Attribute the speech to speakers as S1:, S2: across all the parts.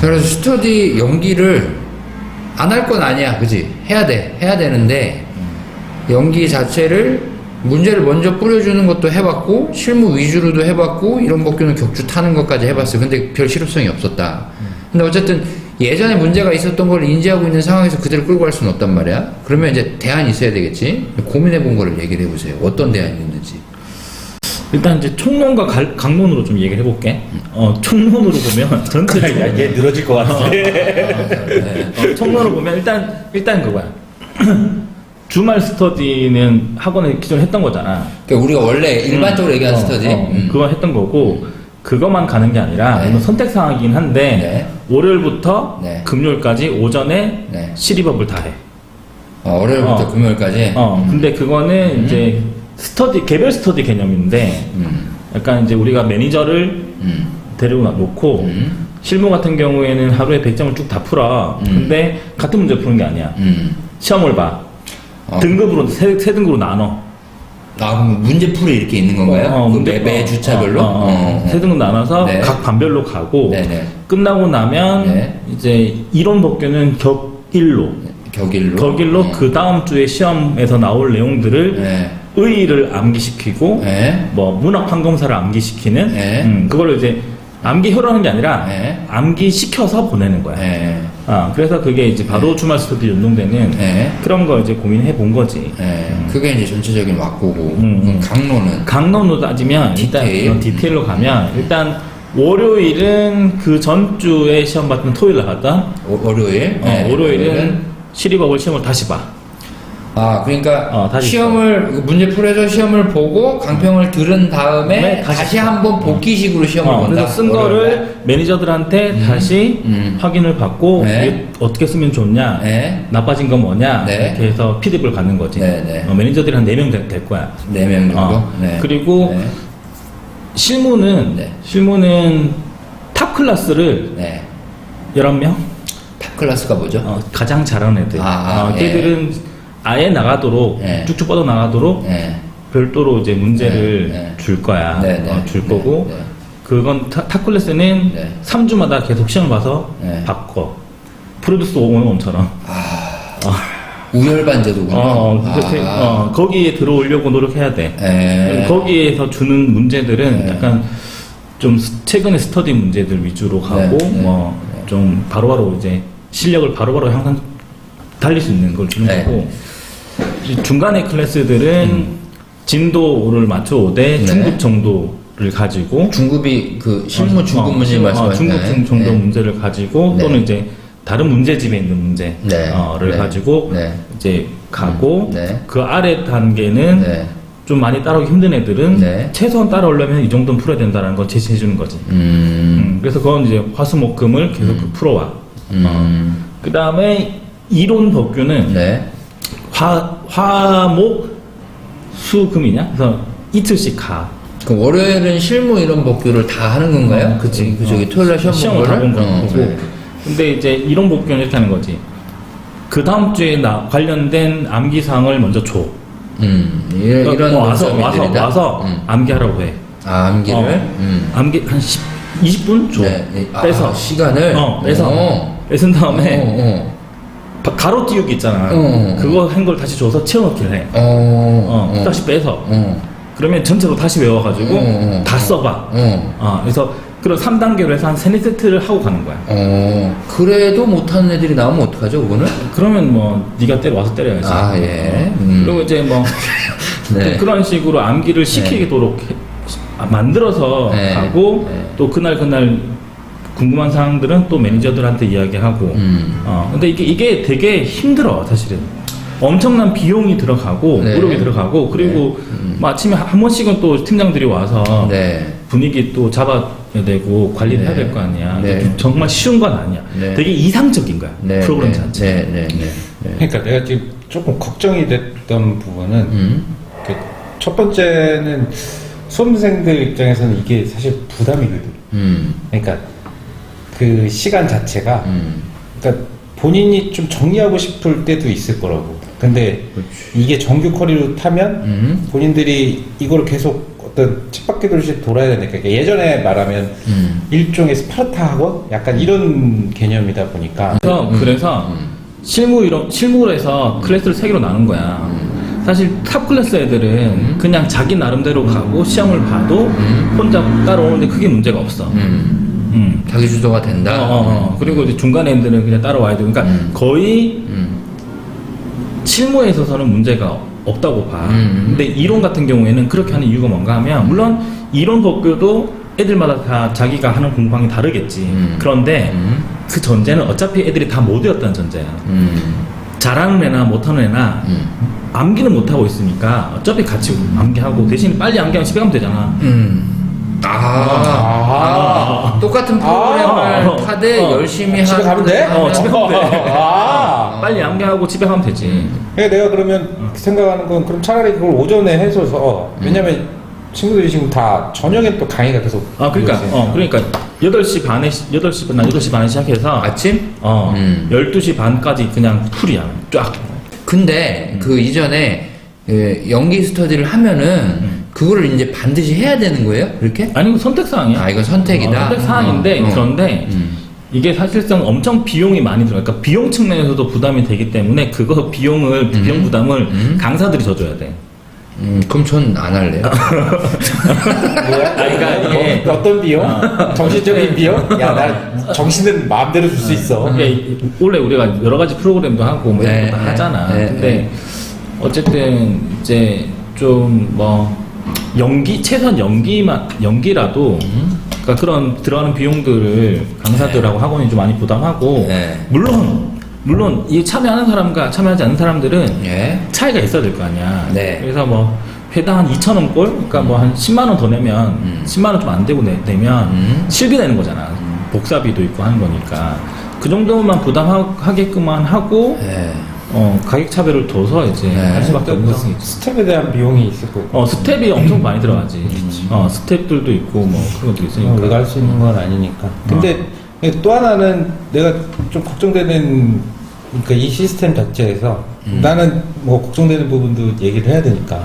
S1: 그래서 스터디 연기를 안 할 건 아니야, 그지? 해야 되는데 연기 자체를 문제를 먼저 뿌려주는 것도 해봤고 실무 위주로도 해봤고 이런 복귀는 격주 타는 것까지 해봤어. 근데 별 실효성이 없었다. 근데 어쨌든 예전에 문제가 있었던 걸 인지하고 있는 상황에서 그대로 끌고 갈 수는 없단 말이야. 그러면 이제 대안이 있어야 되겠지. 고민해본 거를 얘기를 해보세요. 어떤 대안이 있는지.
S2: 일단 이제 총론과 강론으로 좀 얘기를 해볼게. 총론으로 보면 전체
S3: 야, 얘 늘어질 것 같은데.
S2: 총론으로 보면 일단 그거야. 주말 스터디는 학원에 기존에 했던 거잖아.
S1: 그러니까 우리가 원래 일반적으로 얘기하는 스터디.
S2: 그거 했던 거고 그것만 가는 게 아니라
S1: 네.
S2: 물론 선택 사항이긴 한데 월요일부터
S1: 네.
S2: 금요일까지 오전에
S1: 네.
S2: 시리법을 다 해.
S1: 월요일부터 금요일까지.
S2: 근데 그거는 이제 스터디 개별 스터디 개념인데 약간 이제 우리가 매니저를 데리고 놓고 실무 같은 경우에는 하루에 100점을 쭉 다 풀어. 근데 같은 문제 푸는 게 아니야. 시험을 봐. 등급으로 세 등급으로 나눠.
S1: 그럼 문제풀이 이렇게 있는 건가요? 매 주차별로?
S2: 세 등급 나눠서
S1: 네.
S2: 각 반별로 가고
S1: 네네.
S2: 끝나고 나면
S1: 네.
S2: 이제 이론 복귀는 격일로
S1: 격일로?
S2: 그 다음 주에 시험에서 나올 내용들을
S1: 네.
S2: 의의를 암기시키고
S1: 네.
S2: 뭐 문학 판검사를 암기시키는
S1: 네.
S2: 그걸로 이제 암기혀로 하는 게 아니라
S1: 네.
S2: 암기시켜서 보내는 거야.
S1: 네.
S2: 그래서 그게 이제 바로 주말 스터디 연동되는
S1: 네.
S2: 그런 거 이제 고민해 본 거지.
S1: 네. 그게 이제 전체적인 왁구고 강론은
S2: 강론으로 따지면 일단 디테일로 가면 일단 월요일은 그 전주에 시험 봤던 토요일 나갔다.
S1: 월요일? 네.
S2: 월요일은 시리버블 시험을 다시 봐.
S1: 그러니까
S2: 다시
S1: 시험을 문제 풀어서 시험을 보고 강평을 들은 다음에
S2: 네,
S1: 다시 한번 복기식으로 시험을 본다.
S2: 그래서 쓴 거를 매니저들한테 다시 확인을 받고
S1: 네.
S2: 이게 어떻게 쓰면 좋냐,
S1: 네.
S2: 나빠진 건 뭐냐
S1: 네.
S2: 이렇게 해서 피드백을 받는 거지.
S1: 네, 네.
S2: 매니저들이 한 4명 될 거야.
S1: 4명 정도? 네.
S2: 그리고
S1: 네.
S2: 실무는 탑 클래스를
S1: 네.
S2: 11명?
S1: 탑 클래스가 뭐죠?
S2: 가장 잘하는 애들. 걔들은 아예 나가도록
S1: 네.
S2: 쭉쭉 뻗어 나가도록
S1: 네.
S2: 별도로 이제 문제를
S1: 네, 네.
S2: 줄 거야.
S1: 네, 네.
S2: 줄 거고
S1: 네, 네.
S2: 그건 탑 클래스는
S1: 네.
S2: 3주마다 계속 시험을 봐서
S1: 네.
S2: 바꿔. 프로듀스 5원처럼.
S1: 우열반제도군요.
S2: 거기에 들어오려고 노력해야 돼.
S1: 네.
S2: 거기에서 주는 문제들은 약간 좀 최근의 스터디 문제들 위주로 가고
S1: 네, 네.
S2: 좀 바로바로 이제 실력을 바로바로 향상 달릴 수 있는 걸 주는
S1: 네.
S2: 거고 이 중간의 클래스들은 진도를 맞춰오되 중급 정도를 가지고
S1: 중급이 그 실무 중급 문제 말씀하시나요?
S2: 중급 정도
S1: 네.
S2: 문제를 가지고
S1: 네.
S2: 또는 이제 다른 문제집에 있는 문제를
S1: 네. 네.
S2: 가지고
S1: 네.
S2: 이제 가고
S1: 네.
S2: 그 아래 단계는
S1: 네.
S2: 좀 많이 따라오기 힘든 애들은
S1: 네.
S2: 최소한 따라오려면 이 정도는 풀어야 된다는 걸 제시해 주는 거지. 그래서 그건 이제 화수목금을 계속 풀어와. 그 다음에 이론 법규는
S1: 네.
S2: 화목 수금이냐? 그래서 이틀씩 가.
S1: 그 월요일은 실무 이런 복규를 다 하는 건가요?
S2: 그치.
S1: 그 저기 토요일 날
S2: 시험을 다 본 거고.
S1: 네.
S2: 근데 이제 이론 복규는 이렇게 하는 거지. 그 다음 주에 관련된 암기사항을 먼저 줘.
S1: 이런
S2: 와서 암기하라고 해.
S1: 암기를?
S2: 암기 한 20분 줘.
S1: 네.
S2: 빼서.
S1: 시간을?
S2: 뺏은 다음에 가로 띄우기 있잖아. 그거 한 걸 다시 줘서 채워넣기를 해. 다시 빼서. 그러면 전체로 다시 외워가지고 다 써봐. 그래서 그런 3단계로 해서 한 3-4세트를 하고 가는 거야.
S1: 그래도 못하는 애들이 나오면 어떡하죠, 그거는?
S2: 그러면 뭐 네가 와서 때려야지.
S1: 예.
S2: 그리고 이제 뭐
S1: 네.
S2: 그런 식으로 암기를 시키도록 만들어서
S1: 네.
S2: 가고
S1: 네.
S2: 또 그날 궁금한 사항들은 또 매니저들한테 이야기하고. 근데 이게 되게 힘들어 사실은. 엄청난 비용이 들어가고
S1: 네.
S2: 노력이 들어가고 그리고 뭐 아침에 한 번씩은 또 팀장들이 와서
S1: 네.
S2: 분위기 또 잡아야 되고 관리를
S1: 네.
S2: 해야 될 거 아니야.
S1: 네.
S2: 정말 쉬운 건 아니야.
S1: 네.
S2: 되게 이상적인 거야.
S1: 네.
S2: 프로그램
S1: 네.
S2: 자체.
S1: 네.
S3: 그러니까 내가 지금 조금 걱정이 됐던 부분은 그 첫 번째는 수험생들 입장에서는 이게 사실 부담이거든. 그러니까 그 시간 자체가 그러니까 본인이 좀 정리하고 싶을 때도 있을 거라고. 근데 이게 정규 커리로 타면 본인들이 이걸 계속 어떤 쳇바퀴 돌듯이 돌아야 되니까 그러니까 예전에 말하면 일종의 스파르타 학원 약간 이런 개념이다 보니까
S2: 그래서 실무로 해서 클래스를 3개로 나눈 거야. 사실 탑 클래스 애들은 그냥 자기 나름대로 가고 시험을 봐도 혼자 따라오는데 크게 문제가 없어.
S1: 자기 주도가 된다.
S2: 그리고 이제 중간 애들은 그냥 따라와야 돼. 그러니까 거의 실무에 있어서는 문제가 없다고 봐. 근데 이론 같은 경우에는 그렇게 하는 이유가 뭔가 하면 물론 이론 법규도 애들마다 다 자기가 하는 공부방이 다르겠지. 그런데 그 전제는 어차피 애들이 다 못 외웠다는 전제야. 잘하는 애나 못하는 애나 암기는 못하고 있으니까 어차피 같이 암기하고 대신 빨리 암기하면 집에 가면 되잖아.
S1: 똑같은 프로그램을 타되 열심히
S3: 집에 가면 돼?
S2: 집에 가면 돼.
S3: 아.
S2: 빨리 암기하고 집에 가면 되지.
S3: 그러니까 내가 그러면 생각하는 건 그럼 차라리 그걸 오전에 해줘서 왜냐면 친구들이 지금 다 저녁에 또 강의가 계속
S2: 그러니까
S3: 이어지니까.
S2: 그러니까 8시 반에 시작해서
S1: 아침?
S2: 12시 반까지 그냥 풀이야. 쫙.
S1: 근데 그 이전에 연기 스터디를 하면은 그거를 이제 반드시 해야 되는 거예요? 그렇게?
S2: 아니 이거 선택사항이야.
S1: 이건 선택이다.
S2: 선택사항인데 그런데 이게 사실상 엄청 비용이 많이 들어요. 그러니까 비용 측면에서도 부담이 되기 때문에 그거 비용 부담을 강사들이 져줘야 돼.
S1: 그럼 전 안 할래요.
S3: 뭐야?
S2: 그러니까 이게
S3: 어떤 비용? 정신적인 비용? 야, 나 정신은 마음대로 줄 수 있어.
S2: 이게 원래 우리가 여러 가지 프로그램도 하고 뭐 이런 것도 하잖아. 근데 어쨌든 이제 좀 뭐 최소한 연기라도 그러니까 그런 들어가는 비용들을 강사들하고 학원이 좀 많이 부담하고 물론 이 참여하는 사람과 참여하지 않는 사람들은 차이가 있어야 될 거 아니야. 그래서 뭐 회당 한 2,000원 꼴, 그러니까 뭐 한 10만 원 더 내면 10만 원 좀 안 되고 내면 실비 내는 거잖아. 복사비도 있고 하는 거니까 그 정도만 부담하게끔만 하고 가격 차별을 둬서 이제 할 수밖에 없는 거지.
S3: 스텝에 대한 비용이 있을 거고.
S2: 스텝이 엄청 많이 들어가지. 스텝들도 있고 뭐 그런 것도 있으니까.
S3: 우리가 할 수 있는 건 아니니까. 근데 또 하나는 내가 좀 걱정되는 그러니까 이 시스템 자체에서 나는 뭐 걱정되는 부분도 얘기를 해야 되니까.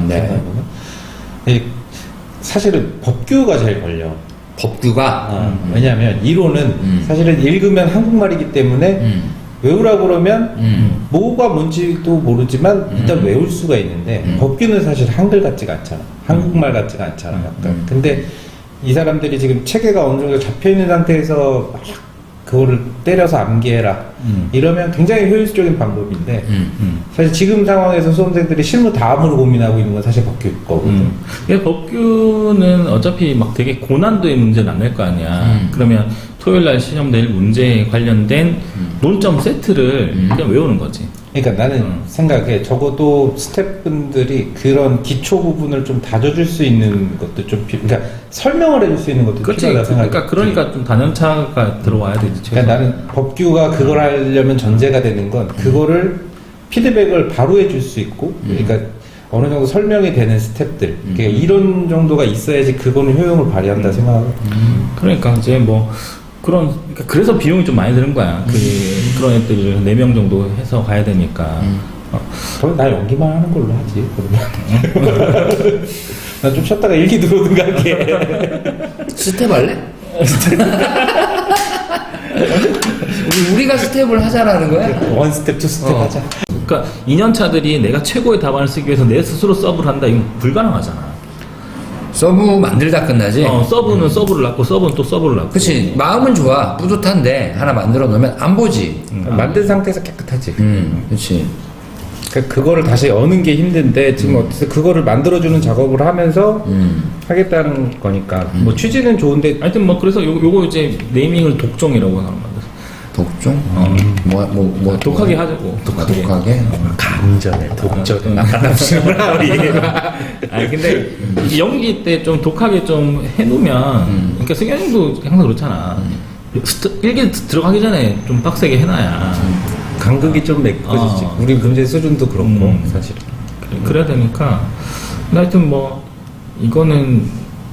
S3: 사실은 법규가 제일 걸려.
S1: 법규가?
S3: 왜냐하면 이론은 사실은 읽으면 한국말이기 때문에 외우라고 그러면 뭐가 뭔지도 모르지만 일단 외울 수가 있는데 법규는 사실 한글 같지가 않잖아. 한국말 같지가 않잖아. 약간. 근데 이 사람들이 지금 체계가 어느 정도 잡혀있는 상태에서 막 그거를 때려서 암기해라 이러면 굉장히 효율적인 방법인데 사실 지금 상황에서 수험생들이 실무 다음으로 고민하고 있는 건 사실 법규 거거든.
S2: 법규는 어차피 막 되게 고난도의 문제는 안 낼 거 아니야. 그러면 토요일날 시험 낼 문제에 관련된 논점 세트를 그냥 외우는 거지.
S3: 그러니까 나는 생각에 적어도 스태프분들이 그런 기초 부분을 좀 다져줄 수 있는 것도 좀 그러니까 설명을 해줄 수 있는 것도 필요하다 생각해.
S2: 그러니까 좀 단연차가 들어와야 되지.
S3: 그러니까 나는 법규가 그걸 하려면 전제가 되는 건 그거를 피드백을 바로 해줄 수 있고 그러니까 어느 정도 설명이 되는 스텝들 그러니까 이런 정도가 있어야지 그거는 효용을 발휘한다 생각하고.
S2: 그러니까 이제 뭐 그러니까 그래서 비용이 좀 많이 드는 거야. 그런 애들을 4명 정도 해서 가야 되니까.
S3: 그럼 나 연기만 하는 걸로 하지, 그러면. 나 좀 쉬었다가 일기 들어오든가 할게.
S1: 스텝 할래? 우리가 스텝을 하자라는 거야?
S3: 원 스텝, 투 스텝 하자.
S2: 그러니까 2년차들이 내가 최고의 답안을 쓰기 위해서 내 스스로 서브를 한다. 이건 불가능하잖아.
S1: 서브 만들다 끝나지?
S2: 서브는 서브를 낳고 서브는 또 서브를 낳고.
S1: 그치. 마음은 좋아. 뿌듯한데 하나 만들어 놓으면 안 보지.
S3: 만든 상태에서 깨끗하지.
S1: 그치.
S3: 그거를 다시 여는 게 힘든데 지금 어쨌든 그거를 만들어주는 작업을 하면서 하겠다는 거니까 뭐 취지는 좋은데
S2: 하여튼 뭐 그래서 요거 이제 네이밍을 독종이라고 하는 건데.
S1: 독종?
S2: 독하게 하자고.
S1: 독하게?
S3: 감전에 독전 나가납시구나 우리.
S2: 아니 근데 연기 때 좀 독하게 좀 해놓으면 그러니까 승현이도 항상 그렇잖아. 일기 들어가기 전에 좀 빡세게 해놔야
S3: 간극이 좀 메꿔지지. 우리 문제 수준도 그렇고 사실.
S2: 그래야 되니까. 근데 하여튼 뭐 이거는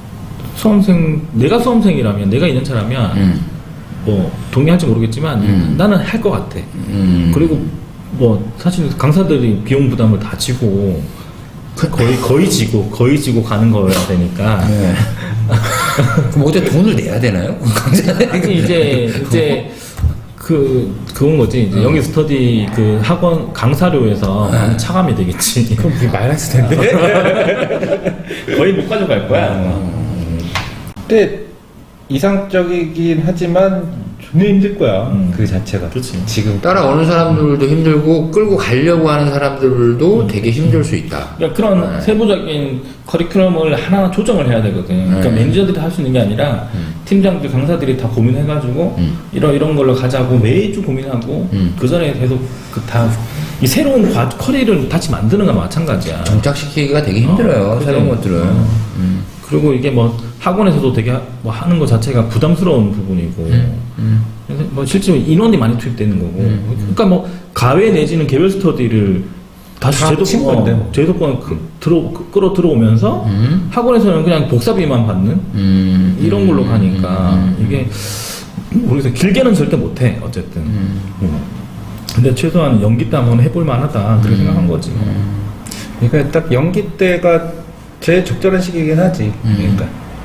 S2: 내가 수험생이라면 내가 2년차라면 뭐 동의할지 모르겠지만 나는 할 것 같아. 그리고 뭐 사실 강사들이 비용 부담을 다 지고 거의 지고 가는 거여야 되니까.
S1: 네. 그럼 어떻게 돈을 내야 되나요?
S2: 아니 이제 그건 거지. 이제 연기 스터디 그 학원 강사료에서 많이 차감이 되겠지.
S3: 그럼 그게 마이너스 텐데.
S2: 거의 못 가져갈 거야.
S3: 근데 이상적이긴 하지만 존나 힘들 거야. 그 자체가.
S2: 그렇지.
S3: 지금
S1: 따라오는 사람들도 힘들고 끌고 가려고 하는 사람들도 되게 힘들 수 있다.
S2: 그러니까 그런 세부적인 커리큘럼을 하나하나 조정을 해야 되거든. 그러니까 매니저들이 할 수 있는 게 아니라 팀장들, 강사들이 다 고민해가지고 이런 걸로 가자고 매주 고민하고 그 전에 계속 이 새로운 커리를 다시 만드는 거나 마찬가지야.
S1: 정착시키기가 되게 힘들어요.
S2: 그래.
S1: 새로운 것들은.
S2: 그리고 이게 뭐 학원에서도 되게 뭐 하는 것 자체가 부담스러운 부분이고 그래서 뭐 실제로 인원이 많이 투입되는 거고 그러니까 뭐 가외 내지는 개별 스터디를 다시
S3: 다 친 건데 뭐.
S2: 제도권 끌어 들어오면서 학원에서는 그냥 복사비만 받는 이런 걸로 가니까 이게 모르겠어요. 길게는 절대 못해 어쨌든. 근데 최소한 연기 때 한번 해볼 만하다 그렇게 생각한 거지.
S3: 그러니까 딱 연기 때가 제일 적절한 시기이긴 하지. 그러니까.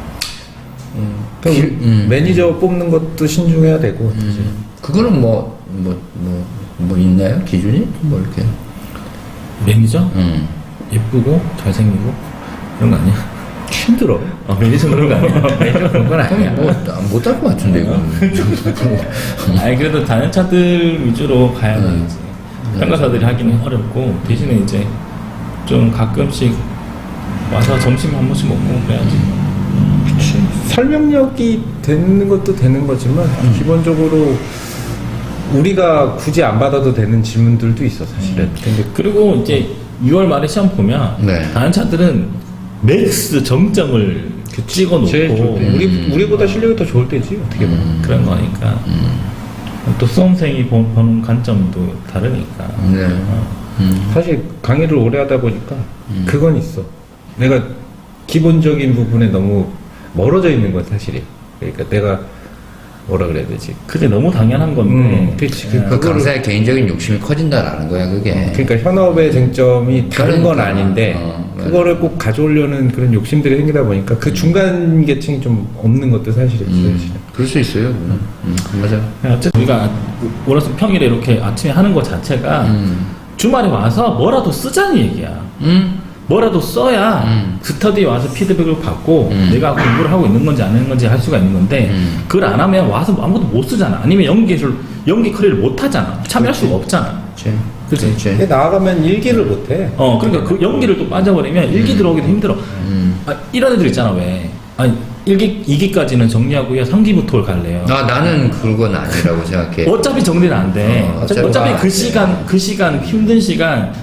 S3: 그럼 매니저 뽑는 것도 신중해야 되고. 사실.
S1: 그거는 뭐 있나요? 기준이? 뭐 이렇게.
S2: 매니저? 예쁘고 잘생기고 이런 거 아니야?
S3: 힘들어.
S2: 매니저 그런 거 아니야? 매니저 그런 건 아니야.
S1: 못할 것 같은데, 이거.
S2: 아니 그래도 단연차들 위주로 가야 되지. 평가사들이 하기는 어렵고 대신에 이제 좀 가끔씩 와서 점심 한 번씩 먹고 그래야지.
S3: 그치. 설명력이 되는 것도 되는 거지만 기본적으로 우리가 굳이 안 받아도 되는 질문들도 있어 사실은. 근데
S2: 그리고 이제 6월 말에 시험 보면
S1: 네.
S2: 단연차들은 맥스 정점을 찍어놓고
S3: 제일 좋을 때. 우리보다 실력이 더 좋을 때지 어떻게 보면.
S2: 그런 거니까 또 수험생이 보는 관점도 다르니까.
S1: 네.
S3: 사실 강의를 오래 하다 보니까 그건 있어. 내가 기본적인 부분에 너무 멀어져 있는 건 사실이야. 그러니까 내가 뭐라 그래야 되지?
S2: 그게 너무 당연한 건데.
S3: 그렇지.
S1: 그 강사의 개인적인 욕심이 커진다라는 거야, 그게.
S3: 그러니까 현업의 쟁점이 다른 건
S1: 그러니까.
S3: 아닌데
S1: 맞아.
S3: 그거를 꼭 가져오려는 그런 욕심들이 생기다 보니까 그 중간 계층이 좀 없는 것도 사실이지. 사실은.
S1: 그럴 수 있어요, 그건. 맞아.
S2: 어쨌든 우리가 월화수 평일에 이렇게 아침에 하는 것 자체가 주말에 와서 뭐라도 쓰자는 얘기야. 뭐라도 써야 스터디에 와서 피드백을 받고 내가 공부를 하고 있는 건지 안 하는 건지 할 수가 있는 건데 그걸 안 하면 와서 아무것도 못 쓰잖아. 아니면 연기 커리를 못 하잖아. 참여할 수가 없잖아. 그치?
S3: 근데 나아가면 일기를 못해.
S2: 그러니까 그 연기를 또 빠져버리면 일기 들어오기도 힘들어. 이런 애들 있잖아, 왜. 아니, 1기, 2기까지는 정리하고요. 3기부터 갈래요.
S1: 나는 그건 아니라고 생각해.
S2: 어차피 정리는 안 돼.
S1: 어차피
S2: 어차피
S1: 안
S2: 그 시간, 힘든 시간,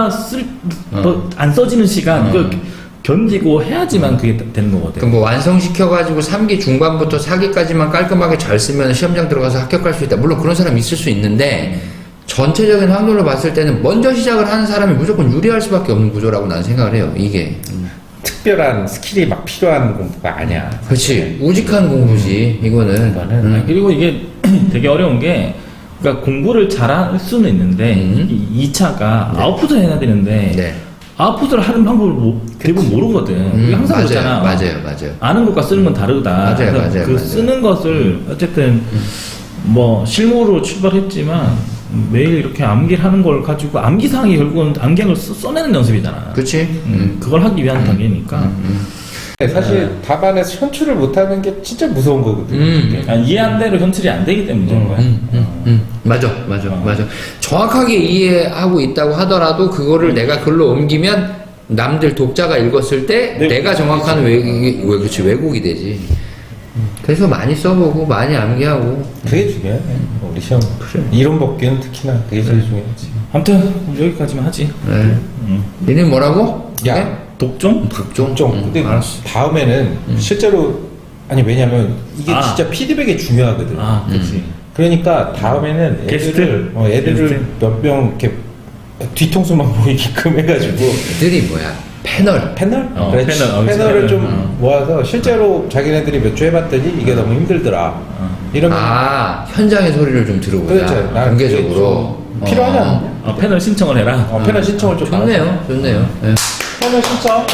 S2: 안 써지는 시간, 이걸 견디고 해야지만 그게 되는 거거든.
S1: 그럼 뭐 완성시켜가지고 3기 중반부터 4기까지만 깔끔하게 잘 쓰면 시험장 들어가서 합격할 수 있다. 물론 그런 사람이 있을 수 있는데, 전체적인 확률로 봤을 때는 먼저 시작을 하는 사람이 무조건 유리할 수밖에 없는 구조라고 난 생각을 해요, 이게.
S3: 특별한 스킬이 막 필요한 공부가 아니야.
S1: 그렇지. 우직한 공부지, 이거는.
S2: 그리고 이게 되게 어려운 게, 그러니까 공부를 잘할 수는 있는데, 이 2차가 아웃풋을 해야 되는데,
S1: 네.
S2: 아웃풋을 하는 방법을 대부분 모르거든. 우리 항상
S1: 맞아요,
S2: 그렇잖아.
S1: 맞아요.
S2: 아는 것과 쓰는 건 다르다.
S1: 맞아요,
S2: 그래서
S1: 맞아요,
S2: 그
S1: 맞아요.
S2: 쓰는 것을 어쨌든 뭐 실무로 출발했지만 매일 이렇게 암기를 하는 걸 가지고 암기사항이 결국은 암기를 써내는 연습이잖아.
S1: 그치?
S2: 그걸 하기 위한 단계니까.
S3: 사실 답안에서 현출을 못하는 게 진짜 무서운 거거든.
S2: 이해한 대로 현출이 안 되기 때문인 거야.
S1: 맞아. 정확하게 이해하고 있다고 하더라도 그거를 내가 글로 옮기면 남들 독자가 읽었을 때 내가 정확한 왜곡이 되지. 그래서 많이 써보고 많이 암기하고.
S3: 그게 중요해. 우리 시험 이론 법규는 특히나 그게 제일 중요하지.
S2: 아무튼 여기까지만 하지.
S1: 네. 니네 뭐라고?
S3: 야,
S1: 네?
S2: 독종?
S3: 좀. 근데 다음에는 실제로 아니 왜냐면 이게 진짜 피드백이 중요하거든.
S2: 그렇지.
S3: 그러니까 다음에는 애들을 몇 명 이렇게 뒤통수만 보이게끔 해가지고
S1: 애들이 뭐야? 패널.
S3: 그렇지. 패널을 좀 모아서 실제로 자기네들이 몇 주 해봤더니 이게 너무 힘들더라. 이러면
S1: 현장의 소리를 좀 들어보자.
S3: 그렇죠. 나는
S1: 공개적으로.
S3: 필요하지 않냐?
S2: 패널 신청을 해라.
S3: 패널 신청을 좀
S1: 좋네요. 네.
S3: 패널 신청.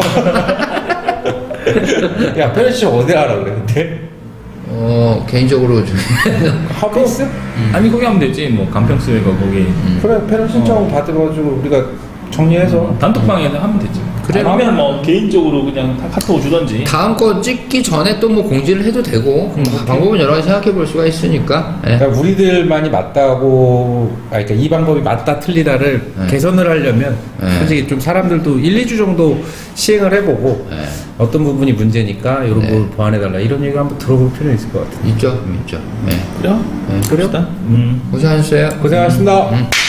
S3: 야, 패널 신청 어디 하라 그래, 근데?
S1: 개인적으로 좀
S3: 하베이스?
S2: 아니 거기 하면 되지 뭐 간평스웨가 거기
S3: 그래, 패널 신청 받아가지고 우리가 정리해서.
S2: 단톡방에서 하면 되지.
S1: 그래.
S2: 아니면 뭐 개인적으로 그냥 카톡 주던지.
S1: 다음 거 찍기 전에 또 뭐 공지를 해도 되고 방법은 여러 가지 생각해 볼 수가 있으니까. 예.
S3: 그러니까 우리들만이 맞다고, 그러니까 이 방법이 맞다 틀리다를
S1: 네.
S3: 개선을 하려면
S1: 네.
S3: 솔직히 좀 사람들도 1, 2주 정도 시행을 해보고
S1: 예.
S3: 어떤 부분이 문제니까 이런
S1: 네.
S3: 걸 보완해달라 이런 얘기 한번 들어볼 필요는 있을 것 같아요.
S1: 있죠. 예.
S2: 그래요?
S1: 예.
S3: 그래요?
S2: 봅시다.
S1: 고생하셨어요.
S3: 고생하셨습니다.